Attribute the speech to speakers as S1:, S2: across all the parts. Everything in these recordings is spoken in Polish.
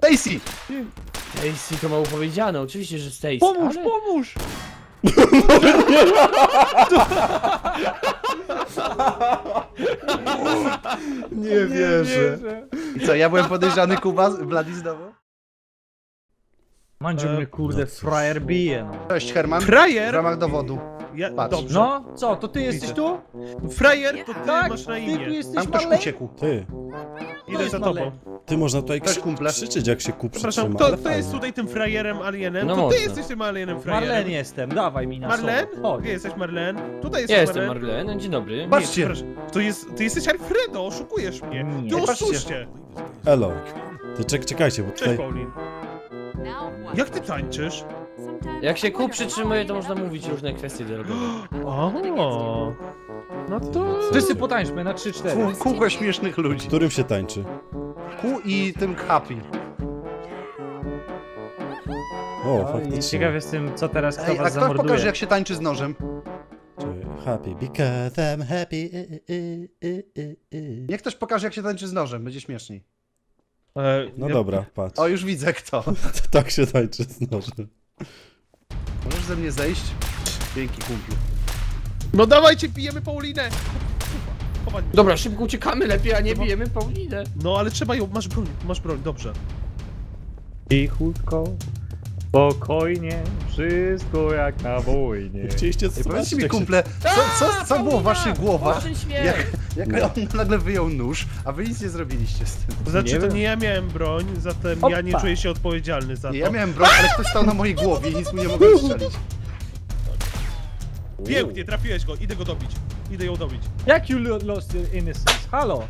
S1: Stacy!
S2: Stacy to mało powiedziane, oczywiście, że Stacy.
S3: Pomóż,
S2: ale...
S3: pomóż!
S1: Nie wierzę. I co, ja byłem podejrzany, Kuba? Bladi znowu?
S3: Mandziu mnie kurde,
S4: no cóż.
S3: frajer bije, no.
S1: Cześć, Herman. W
S5: Frajer!
S1: ramach dowodu.
S5: Ja,
S1: Patrz.
S5: dobrze.
S3: No, co, to ty jesteś
S5: Widzę.
S3: tu?
S5: Frajer to ty
S3: Tak,
S5: masz na
S3: ty tu
S5: imię.
S3: jesteś
S1: Tam ktoś
S3: Marley?
S1: uciekł.
S4: Ty,
S5: Idę za tobą.
S4: ty można tutaj
S1: Cześć, kumple.
S4: krzyczeć jak się ku
S5: Przepraszam,
S4: przytrzyma, ale
S5: kto jest
S4: fajnie.
S5: tutaj tym frajerem, alienem?
S2: No
S5: To ty
S2: można.
S5: jesteś tym alienem frajerem.
S3: Marlen jestem, dawaj mi na
S5: Marlen?
S3: słowo. Chodź.
S5: Gdzie jesteś Marlen? Tutaj
S2: Ja
S5: jesteś
S2: jestem
S5: Marlen.
S2: Marlen, dzień dobry.
S1: Patrzcie.
S5: Ty jesteś Alfredo, oszukujesz mnie.
S3: Nie.
S5: Ty
S1: Patrzcie.
S5: oszuście.
S4: Elo. Ty czekajcie, bo
S5: Cześć,
S4: tutaj...
S5: Paulin. Jak ty tańczysz?
S2: Jak się kół przytrzymuje, to można mówić różne kwestie drogowe.
S5: O, no to...
S3: Wszyscy potańczmy na 3-4.
S1: Kółko śmiesznych ludzi.
S4: Którym się tańczy?
S1: Kół i tym happy.
S4: O, faktycznie.
S3: Ciekaw jestem, co teraz kto
S1: Ej, a
S3: was
S1: kto
S3: zamorduje.
S1: pokaże, jak się tańczy z nożem?
S4: Happy because I'm happy.
S1: Niech ktoś pokaże, jak się tańczy z nożem, będzie śmieszniej.
S4: No dobra, patrz.
S1: O, już widzę kto.
S4: Tak się tańczy z nożem.
S1: Możesz ze mnie zejść? Dzięki, kumplu.
S5: No dawajcie, pijemy Paulinę! Chowaj.
S2: Dobra, szybko uciekamy lepiej, a nie bijemy Paulinę.
S5: No ale trzeba ją, masz broń, dobrze.
S3: Cichutko, spokojnie, wszystko jak na wojnie.
S4: Chcieliście
S1: Ej, powiedzcie mi,
S4: jak się-
S1: kumple, co było w waszych głowach?
S2: Oszczędź śmiech.
S1: Jak on nagle wyjął nóż, a wy nic nie zrobiliście z tym.
S5: To znaczy,
S3: Nie
S5: to
S3: wiem.
S5: nie ja miałem broń, zatem ja nie
S3: Opa.
S5: czuję się odpowiedzialny za to.
S1: Nie, ja miałem broń, ale ktoś stał na mojej głowie i nic mu nie mogłem strzelić.
S5: Pięknie, trafiłeś go, idę go dobić. Idę ją dobić.
S3: Jak you lost your innocence? Halo?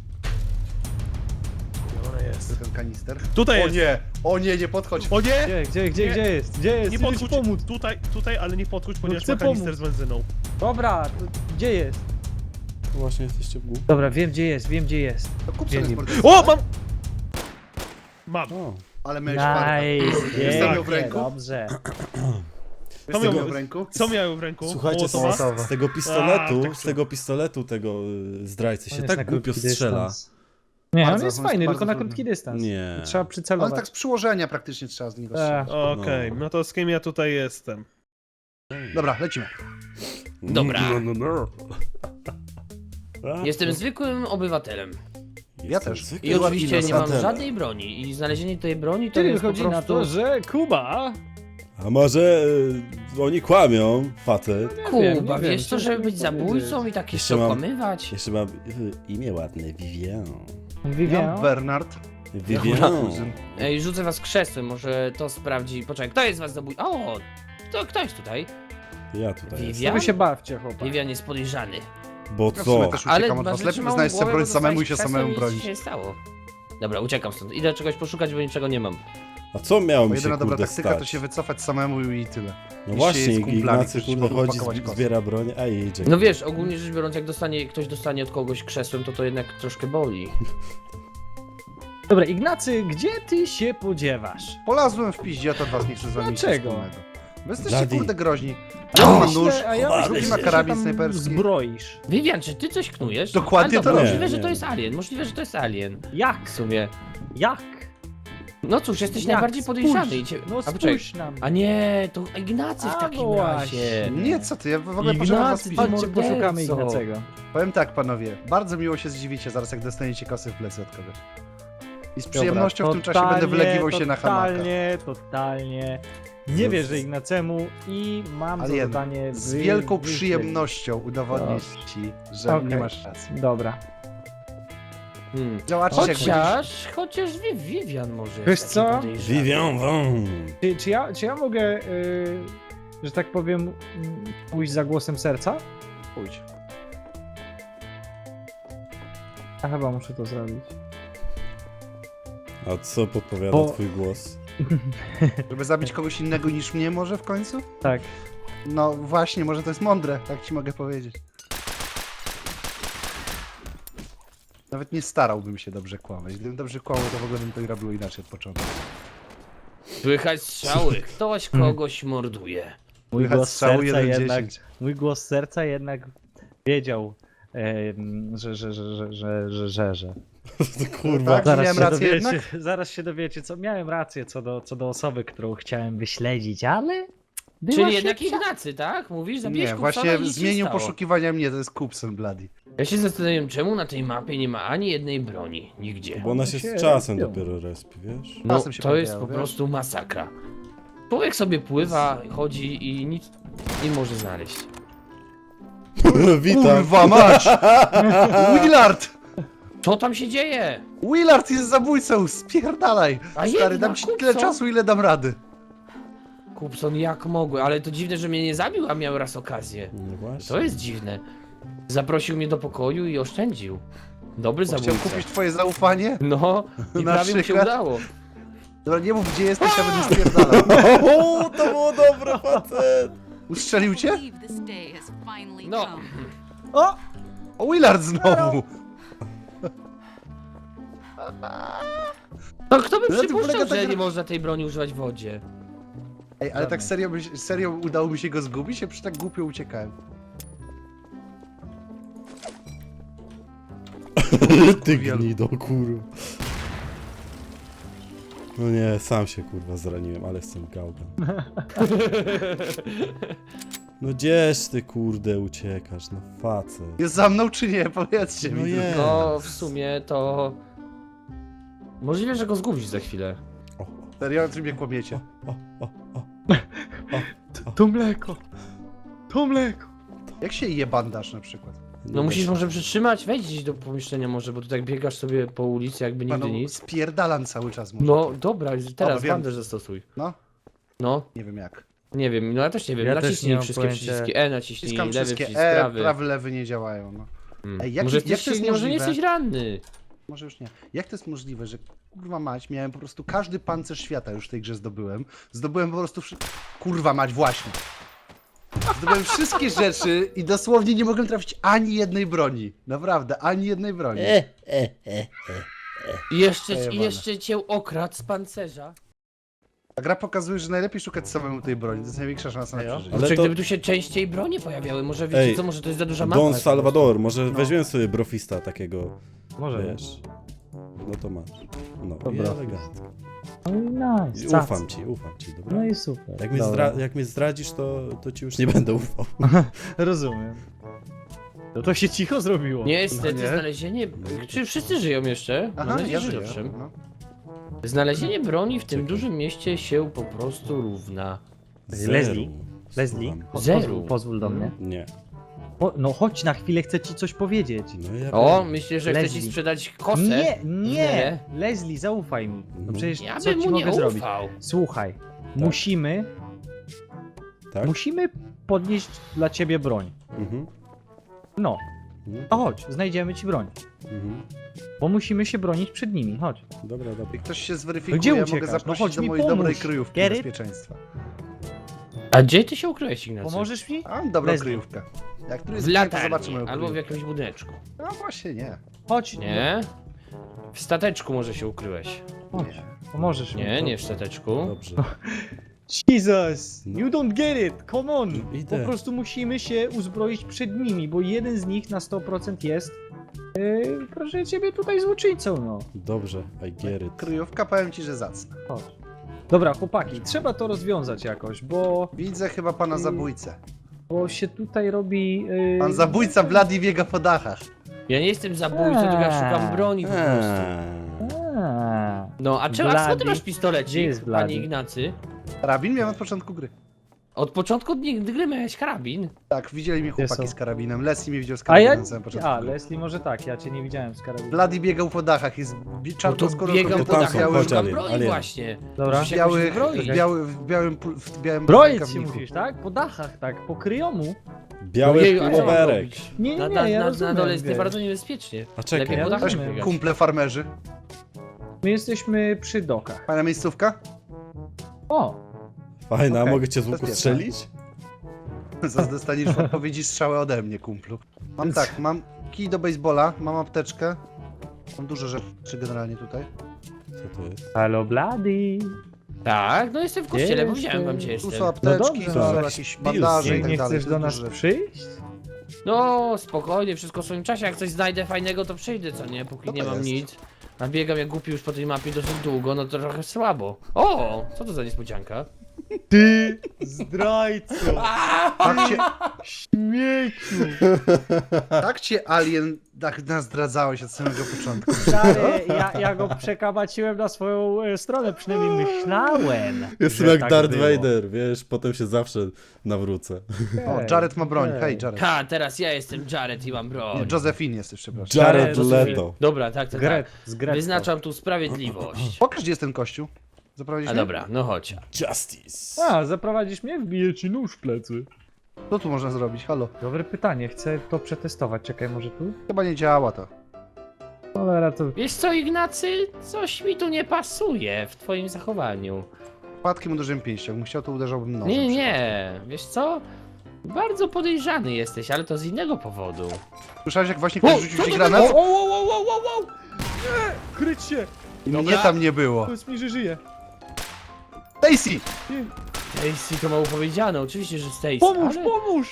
S5: Ona jest.
S1: Ten kanister.
S5: Tutaj
S1: O
S5: jest.
S1: nie, o nie, nie podchodź.
S5: O nie!
S3: Gdzie jest? Gdzie jest?
S5: Nie
S3: Chcę ci
S5: podchodź,
S3: pomóc.
S5: tutaj, ale nie podchodź, ponieważ
S3: chcę
S5: ma kanister
S3: pomóc.
S5: z benzyną.
S3: Dobra, to gdzie jest?
S4: Właśnie jesteście w głupie.
S3: Dobra, wiem gdzie jest.
S1: To kup sobie
S5: Nie,
S1: z
S5: nie.
S1: morderstwa.
S5: O, mam! Mam.
S4: O,
S1: Ale miałeś farta.
S3: Nice,
S1: Wiesz, co miał w
S3: pięknie,
S1: ręku?
S3: dobrze.
S1: Wiesz, co
S5: miał-
S1: miał w ręku?
S5: Co miałem w ręku?
S4: słuchajcie,
S5: Mołotowa?
S4: z tego pistoletu,
S5: A, tak
S4: z tego pistoletu tego zdrajcy się
S3: On jest na
S4: tak głupio
S3: krótki
S4: strzela.
S3: dystans. Nie,
S1: Bardzo,
S3: on jest
S1: on jest
S3: fajny,
S1: bardzo
S3: tylko na
S1: trudny.
S3: krótki dystans.
S4: Nie.
S3: Trzeba
S1: Ale
S3: przycelować.
S1: tak z przyłożenia praktycznie trzeba z niego strzelać.
S5: Okej, no to z kim ja tutaj jestem?
S1: Dobra, lecimy.
S2: Dobra.
S4: No.
S2: Jestem zwykłym obywatelem.
S1: Ja też.
S2: I oczywiście nie mam żadnej broni. I znalezienie tej broni to
S3: Czyli
S2: jest po
S3: wychodzi na
S2: prostu...
S3: to, że Kuba...
S4: A może oni kłamią, facet?
S2: Kuba,
S3: nie wiem,
S2: wiesz co,
S3: ciężko
S2: żeby
S3: mi
S2: być zabójcą
S3: powiedzieć.
S2: i tak
S4: Jeszcze
S2: jeszcze
S4: mam-
S2: okłamywać?
S4: Jeszcze ma imię ładne, Vivian.
S1: Ja
S3: Vivian?
S1: Bernard.
S4: Vivian.
S2: Ej, rzucę was krzesłem, może to sprawdzi... Poczekaj, kto jest was zabójcą? O! Kto jest tutaj?
S4: Ja tutaj jestem.
S2: Vivian?
S3: Wy się bawcie, chłopak.
S2: Vivian jest podejrzany.
S4: Bo
S1: Ja w sumie
S4: co?
S1: też
S2: Ale
S1: uciekam od was.
S2: masz
S1: Lepiej
S2: małą
S1: znaleźć sobie
S2: głowę,
S1: broń
S2: bo
S1: samemu i się
S2: dostałeś
S1: samemu
S2: krzesłem i nic
S1: bronić.
S2: się nie stało. Dobra, uciekam stąd. Idę czegoś poszukać, bo niczego nie mam.
S4: A co miało
S1: Bo
S4: mi się
S1: jedyna dobra
S4: kurde
S1: taktyka
S4: stać?
S1: to się wycofać samemu i tyle.
S4: No
S1: Iść
S4: właśnie,
S1: się z kumplami,
S4: Ignacy
S1: którzy
S4: kurde
S1: mogą
S4: chodzi,
S1: pakować kosy.
S4: zbiera broń, a idzie.
S2: No wiesz, ogólnie rzecz biorąc, jak ktoś dostanie od kogoś krzesłem, to jednak troszkę boli.
S3: Dobra, Ignacy, gdzie ty się podziewasz?
S1: Polazłem w piździe, a to was nie chce z wami nic
S3: Dlaczego?
S1: wspólnego. Wy jesteście
S4: Bladi.
S1: kurde groźni.
S3: Ja
S1: Jeden ma
S3: myślę-
S1: nóż,
S3: a ja
S4: drugi
S3: myślę,
S4: ma
S3: że
S1: karabin
S3: się tam
S1: snajperski.
S3: Zbroisz.
S2: Vivian, czy ty coś knujesz?
S1: Dokładnie
S2: A, dobra,
S1: to
S4: robię.
S2: możliwe, że
S4: Nie.
S2: to jest alien. Możliwe, że to jest alien.
S3: Jak?
S2: W sumie.
S3: Jak?
S2: No cóż, jesteś
S3: Jak?
S2: najbardziej podejrzany.
S3: Spójrz.
S2: I cię...
S3: No
S2: a, poczekaj.
S3: spójrz na mnie.
S2: A nie, to Ignacy w
S3: A,
S2: takim
S3: no
S2: razie.
S1: Nie, co ty, ja w ogóle poszedłem was
S2: Ignacy,
S1: piździć.
S3: Chodźcie,
S2: morderco.
S3: poszukamy Ignacego.
S1: Powiem tak, panowie, bardzo miło się zdziwicie zaraz, jak dostaniecie kosy w plecy od kogoś. I z przyjemnością w tym czasie będę wylegiwał się na hamaka.
S3: Totalnie. Nie wierzę Ignacemu i mam za
S1: Alien,
S3: zadanie
S1: z wielką
S3: wyśledzić.
S1: przyjemnością udowodnię ci, że
S3: Okej.
S1: nie masz racji.
S3: Dobra.
S1: Działacie jak będziesz...
S2: Chociaż Vivian może jest
S3: Wiesz
S2: taki
S3: co?
S2: podejrzany.
S4: Vivian Van.
S3: Czy ja mogę, że tak powiem, pójść za głosem serca?
S1: Pójdź.
S3: A chyba muszę to zrobić.
S4: A co podpowiada
S3: Bo-
S4: twój głos?
S1: Żeby zabić kogoś innego niż mnie może w końcu?
S3: Tak.
S1: No właśnie, może to jest mądre, tak ci mogę powiedzieć. Nawet nie starałbym się dobrze kłamać. Gdybym dobrze kłamał, to w ogóle bym to robił inaczej od początku.
S2: Słychać strzały, ktoś kogoś morduje.
S3: Mój
S1: Słychać
S3: głos
S1: strzały
S3: serca
S1: 1-10.
S3: jednak, mój głos serca jednak wiedział, że.
S4: Kurwa.
S1: Tak? Miałem rację
S3: Zaraz się dowiecie, co miałem rację co do osoby, którą chciałem wyśledzić, ale... była
S2: Czyli jednak
S3: szybsza.
S2: Ignacy, tak? Mówisz, zabiłeś
S1: Nie,
S2: Kupsona
S1: właśnie
S2: i nic się
S1: zmienił
S2: stało.
S1: poszukiwania mnie, to jest Kupson Bloody.
S2: Ja się zastanawiam, czemu na tej mapie nie ma ani jednej broni. Nigdzie.
S4: Bo ona
S3: One
S4: się
S3: się
S4: z czasem
S3: robią.
S4: dopiero respi, wiesz?
S2: No,
S1: czasem się
S2: to jest
S1: pojawiają,
S2: po
S1: wiesz?
S2: prostu masakra. Człowiek sobie pływa, chodzi i nic nie może znaleźć.
S4: Witam.
S1: Kurwa mać! Willard!
S2: Co tam się dzieje?
S1: Willard jest zabójcą, spierdalaj!
S2: A
S1: Stary,
S2: jednak
S1: dam ci tyle
S2: Kupson?
S1: czasu, ile dam rady.
S2: Kupson, jak mogły? Ale to dziwne, że mnie nie zabił, a miał raz okazję.
S4: No właśnie.
S2: To jest dziwne. Zaprosił mnie do pokoju i oszczędził. Dobry
S1: Chciał
S2: zabójca.
S1: kupić twoje zaufanie?
S2: No, i
S1: Na
S2: prawie mu się
S1: przykład?
S2: udało.
S1: Dobra, nie mów gdzie jesteś, ja będę spierdalał.
S4: O, to było dobre, facet!
S1: Ustrzelił cię?
S6: believe this day has finally
S2: No,
S6: come.
S3: O!
S1: O, Willard znowu!
S2: no kto by
S1: Na tym
S2: przypuszczał,
S1: polega ta
S2: że
S1: gra.
S2: nie można tej broni używać w wodzie?
S1: Ej, ale tak serio udało mi się go zgubić? Ja przecież tak głupio uciekałem.
S4: Ty gnido, kurwa. No nie, sam się kurwa zraniłem, ale jestem gałgan. No gdzież ty kurde uciekasz, no facet.
S1: Jest za mną czy nie? Powiedzcie
S4: No
S1: mi.
S4: jest.
S2: No, w sumie to... Możliwe, że go zgubisz za chwilę.
S4: O,
S1: Serio, o czym mnie kłamiecie?
S4: o, o, o.
S3: To mleko! To mleko!
S1: Jak się je bandaż na przykład?
S2: No musisz może przytrzymać, wejdź gdzieś do pomieszczenia może, bo tu tak biegasz sobie po ulicy jakby nigdy
S1: Panu,
S2: nic.
S1: spierdalam cały czas może.
S2: No dobra, teraz
S1: wiem.
S2: bandaż zastosuj.
S1: No,
S2: No,
S1: nie wiem jak.
S2: nie wiem, no ja też nie wiem,
S3: Ja też
S2: naciśnij
S3: nie mam
S2: wszystkie
S3: pojęcia.
S2: przyciski, naciśnij,
S1: Wciskam
S2: lewy
S1: wszystkie
S2: przycisk, prawy.
S1: prawy, lewy nie działają, no. Ej, jak-
S2: może,
S1: jak to jest
S2: może nie
S1: możliwe?
S2: jesteś ranny.
S1: Może już nie. Jak to jest możliwe, że kurwa mać, miałem po prostu każdy pancerz świata już w tej grze zdobyłem. Zdobyłem po prostu kurwa mać, właśnie. Zdobyłem wszystkie rzeczy i dosłownie nie mogłem trafić ani jednej broni. Naprawdę, ani jednej broni.
S2: I jeszcze,
S1: Przejebane.
S2: jeszcze cię okradł z pancerza.
S1: Ta gra pokazuje, że najlepiej szukać samemu tej broni. To jest największa szansa na
S3: Ejo.
S1: przeżycie.
S4: Ale
S2: Kurczę,
S4: to-
S2: gdyby tu się częściej bronie pojawiały, może wiecie
S4: Ej,
S2: co, może to jest za duża mapa.
S4: Don
S2: po
S4: Salvador, może
S3: No.
S4: weźmiemy sobie brofista takiego,
S3: Może.
S4: wiesz. No to masz. No i
S3: Dobra.
S4: elegancko.
S3: No i nice.
S4: I
S3: cac.
S4: ufam ci, dobra?
S3: No i super.
S4: Jak mnie,
S3: Dobra.
S4: jak mnie zdradzisz, to ci już nie będę ufał.
S3: Rozumiem. No to się cicho zrobiło.
S2: Niestety
S1: No nie.
S2: znalezienie... Czy wszyscy żyją jeszcze?
S1: Aha,
S2: Mam nadzieję,
S1: ja
S2: że
S1: żyję.
S2: owszem.
S1: No.
S2: Znalezienie broni w tym
S4: Czekaj.
S2: dużym mieście się po prostu równa.
S3: Leslie? Leslie?
S4: Słucham.
S2: Zero.
S3: Pozwól do mnie.
S4: Nie.
S3: No chodź na chwilę, chcę ci coś powiedzieć.
S4: No ja
S2: O,
S4: wiem.
S2: myślę, że chce ci
S3: Leslie.
S2: sprzedać kosę?
S3: Nie, nie!
S2: Nie.
S3: Leslie, zaufaj mi. No przecież
S2: Ja
S3: co
S2: bym
S3: ci
S2: mu nie
S3: mogę zrobić?
S2: ufał.
S3: Słuchaj, musimy
S4: Tak?
S3: podnieść dla ciebie broń.
S4: Mhm.
S3: No,
S4: Mhm.
S3: to chodź, znajdziemy ci broń.
S4: Mhm.
S3: Bo musimy się bronić przed nimi, chodź.
S4: Dobra, dobra.
S1: Jak ktoś się
S3: No
S1: zweryfikuje,
S3: gdzie
S1: ja mogę
S3: uciekasz? No
S1: zaprosić
S3: chodź
S1: do
S3: mi
S1: mojej
S3: pomóż.
S1: dobrej kryjówki
S3: Get it?
S1: bezpieczeństwa.
S2: A gdzie ty się ukryłeś, Ignacy?
S3: Pomożesz mi?
S1: A, mam dobrą
S3: Leslie.
S1: kryjówkę. Jak tu jest
S2: W
S1: to zobaczymy
S2: latarni,
S1: moją
S2: albo w
S1: kryjówkę.
S2: jakimś budyneczku.
S1: No właśnie nie.
S3: Chodź.
S2: Nie? W stateczku może się ukryłeś.
S3: Chodź. Pomożesz mi.
S2: Nie, nie w stateczku.
S4: Dobrze.
S3: Jesus!
S4: No.
S3: You don't get it! Come on!
S4: Idę.
S3: Po prostu musimy się uzbroić przed nimi, bo jeden z nich na 100% jest proszę ciebie tutaj złoczyńcą, no.
S4: Dobrze, I get it.
S1: Kryjówka, powiem ci, że zacna.
S3: Chodź. Dobra, chłopaki, trzeba to rozwiązać jakoś,
S1: Widzę chyba pana zabójcę.
S3: bo się tutaj robi...
S1: Pan zabójca Bloody biega po dachach.
S2: Ja nie jestem zabójcą, tylko ja szukam broni po prostu.
S3: A,
S2: No, a czemu, a skąd ty
S3: Bloody.
S2: masz pistolecik,
S3: Gdzie jest Bloody?
S2: panie Ignacy?
S1: Karabin miałem od początku gry.
S2: Od początku gry miałeś karabin.
S1: Tak, widzieli mnie chłopaki
S3: są?
S1: z karabinem. Leslie mnie widział z
S3: A
S1: karabinem
S3: ja...
S1: na samym początku
S3: A,
S1: gry.
S3: Leslie może tak, ja cię nie widziałem z karabinem.
S1: Bloody biegał po dachach, jest
S2: No to
S1: czarnoskórą
S2: biegał
S1: kobietą
S2: po
S4: tam
S1: w
S4: są,
S2: dachach,
S1: białym,
S4: chodź,
S2: szukam
S4: Alien,
S2: broni
S4: Alien.
S2: właśnie.
S3: Dobra.
S2: Musi się jakoś
S1: białych,
S2: zbroić.
S1: w białym
S3: Broić się
S1: rękawniku.
S3: musisz, tak? Po dachach, tak, po kryjomu.
S4: Biały
S2: Ojeju, a co mam
S4: pułowerek.
S2: robić?
S3: Nie,
S2: Na,
S3: nie,
S2: na,
S3: ja
S2: na, na
S3: rozumiem,
S2: dole jest
S3: wiesz.
S2: bardzo niebezpiecznie.
S4: A czekaj,
S2: Lepiej po
S3: ja
S2: dachach
S3: rozumiem.
S2: biegać.
S1: Kumple farmerzy.
S3: My jesteśmy przy dokach.
S1: Pana miejscówka?
S3: O!
S4: Fajna,
S3: Okej,
S4: mogę cię z łuku
S1: bezpieczne.
S4: strzelić?
S1: Zaraz dostaniesz w odpowiedzi strzałę ode mnie, kumplu. Mam tak, mam kij do baseballa, mam apteczkę. Mam dużo rzeczy generalnie tutaj.
S4: Co to jest?
S3: Halo, Bloody!
S2: Tak, no jestem w kościele,
S3: Jestem.
S2: powiedziałem wam, gdzie
S1: Tu
S2: jestem.
S1: są apteczki,
S3: dobrze.
S1: tu są
S4: Tak.
S1: jakieś
S4: Pills.
S1: bandaże
S3: Nie,
S1: i tak
S3: nie
S1: dalej.
S3: chcesz
S1: to
S3: do
S1: jest
S3: nas
S1: dużo rzeczy.
S3: przyjść?
S2: No, spokojnie, wszystko w swoim czasie. Jak coś znajdę fajnego, to przyjdę, co nie? Póki
S1: Co to
S2: nie mam
S1: jest?
S2: nic. A biegam jak głupi już po tej mapie dosyć długo, no to trochę słabo. O, co to za niespodzianka?
S3: Ty, zdrajco,
S1: Tak cię,
S3: śmieciu.
S1: tak cię Alien tak nazdradzałeś od samego początku.
S3: Stary, ja go przekabaciłem na swoją stronę, przynajmniej myślałem.
S4: Jestem
S3: że
S4: jak
S3: tak
S4: Darth
S3: było.
S4: Vader, wiesz, potem się zawsze nawrócę.
S1: O, Jared ma broń. Hej, Jared.
S2: Ha, teraz ja jestem Jared i mam broń.
S1: Josephine jesteś, przepraszam.
S4: Jared
S3: Jared
S4: Leto.
S2: Dobra, tak, tak,
S3: Gret,
S2: tak.
S3: z Gretką.
S2: Wyznaczam tu sprawiedliwość.
S1: Pokaż, gdzie jest ten kościół.
S2: A
S1: Zaprowadzisz
S2: dobra, no chodź.
S4: Justice.
S3: A, zaprowadzisz mnie? Wbiję ci nóż w plecy.
S1: Co tu można zrobić? Halo?
S3: Dobre pytanie, chcę to przetestować. Czekaj, może tu?
S1: Chyba nie działa to.
S3: Cholera, to...
S2: Wiesz co, Ignacy? Coś mi tu nie pasuje w twoim zachowaniu.
S1: Wpadkiem uderzyłem pięścią. Jakbym chciał, to uderzałbym nożem.
S2: Nie, nie, wiesz co? Bardzo podejrzany jesteś, ale to z innego powodu.
S1: Słyszałeś, jak właśnie ktoś rzucił ci granat?
S3: o! Kryć się!
S1: I mnie tam nie było.
S3: Powiedz mi, że żyje.
S1: Stacy!
S2: Stacy to mało powiedziane, oczywiście, że Stacy.
S3: Pomóż,
S2: ale...
S3: pomóż!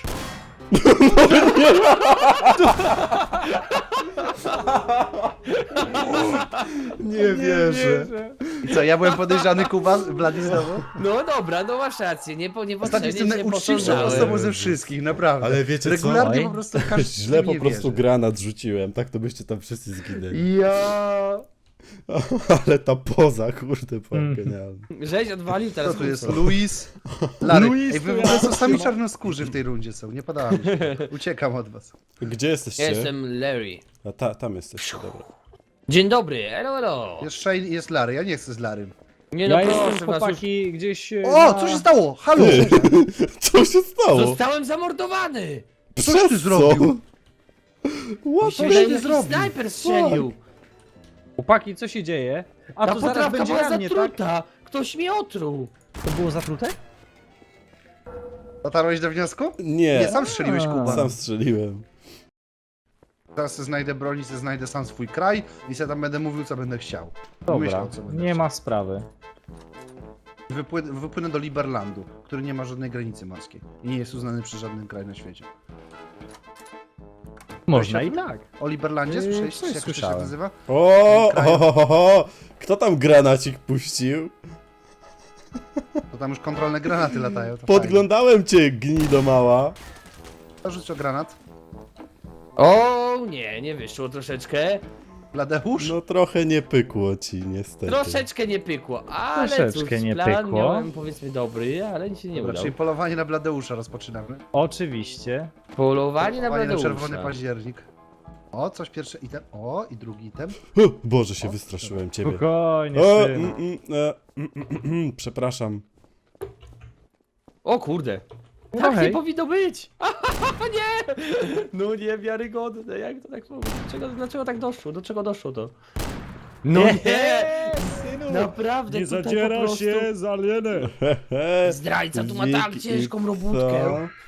S4: Nie wierzę.
S1: I co, ja byłem podejrzany, Kuba? Blady znowu?
S2: No dobra, no masz rację, nie
S1: Ostatnio
S2: potrzebnie
S1: jestem
S2: cię
S1: najuczciwszą
S2: posądzałem.
S1: osobą ze wszystkich, naprawdę.
S4: Ale wiecie co?
S1: Regularnie
S3: Oj.
S1: po prostu każdy
S4: Źle po
S1: nie
S4: prostu
S1: wierzy.
S4: granat rzuciłem, tak to byście tam wszyscy zginęli.
S1: Ja...
S4: Ale ta poza, kurde, była
S3: Mhm.
S4: genialna.
S2: Żeś odwalił teraz.
S1: Co tu jest?
S2: kurwa.
S1: Luis? Larry.
S3: Luis
S1: Ej, wy
S3: tu
S1: w ogóle
S3: ja.
S1: są sami czarnoskórzy w tej rundzie są, nie podoba mi się. Uciekam od was.
S4: Gdzie jesteście?
S2: Ja jestem Larry.
S4: A tam jesteście, dobra.
S2: Dzień dobry, elo, elo.
S1: Jest Shane i jest Larry, ja nie chcę z Larrym.
S2: Nie no,
S3: Ja
S2: proszę
S3: jestem,
S2: was, już
S3: chłopaki, gdzieś...
S1: O, co się stało? Halo!
S4: Ty, co się stało?
S2: zostałem zamordowany.
S1: Coś ty zrobił?
S4: What?
S1: Coś
S2: Myślałem,
S1: ty
S2: jakiś
S1: zrobił?
S2: snajper strzelił.
S3: Chłopaki, co się dzieje? A
S2: Ta
S3: to zaraz
S2: potrawka
S3: będzie
S2: była
S3: rannie, tak?
S2: zatruta. Ktoś mnie otruł.
S3: To było zatrute?
S1: Dotarłeś do wniosku?
S4: Nie,
S1: Nie, sam strzeliłeś, Kuba.
S4: sam strzeliłem.
S1: Teraz se znajdę broń i se znajdę sam swój kraj i se tam będę mówił, co będę chciał.
S3: Dobra,
S1: Myślał, co będę
S3: nie
S1: chciał.
S3: ma sprawy.
S1: Wypłynę do Liberlandu, który nie ma żadnej granicy morskiej i nie jest uznany przez żaden kraj na świecie.
S3: Można
S1: Weź
S3: i
S1: na-
S3: tak.
S1: O Liberlandzie słyszeliście?
S3: coś
S1: Jak to się
S3: słyszałem.
S1: nazywa?
S4: O,
S1: Kraj.
S4: kto tam granacik puścił?
S1: To tam już kontrolne granaty latają. To
S4: Podglądałem cię, gnido mała.
S1: fajnie. Rzuć o granat.
S2: O nie, nie wyszło troszeczkę.
S1: Bladeusz?
S4: No trochę nie pykło ci, niestety.
S2: Troszeczkę nie pykło, ale
S3: Troszeczkę
S2: cóż,
S3: nie
S2: plan
S3: pykło.
S2: miałem powiedzmy dobry, ale się nie
S1: Dobra,
S2: udał.
S1: czyli polowanie na Bladeusza rozpoczynamy.
S3: Oczywiście.
S2: Polowanie na
S1: Polowanie na
S2: Bladeusza.
S1: czerwony październik. O, coś pierwszy item. O, i drugi item.
S4: Boże, się wystraszyłem ciebie.
S3: Spokojnie,
S4: O,
S3: syn.
S4: przepraszam.
S2: O kurde.
S3: No
S2: Tak nie
S3: hej.
S2: powinno być! Nie! No niewiarygodne, jak to tak mówić? Dlaczego tak doszło? Do czego doszło to? No nie!
S3: synu!
S2: Naprawdę
S3: Nie
S2: tutaj
S3: zadziera
S2: po prostu...
S3: się z alienem.
S2: Zdrajca tu ma tak
S4: Wilk i
S2: ciężką robótkę.
S4: co?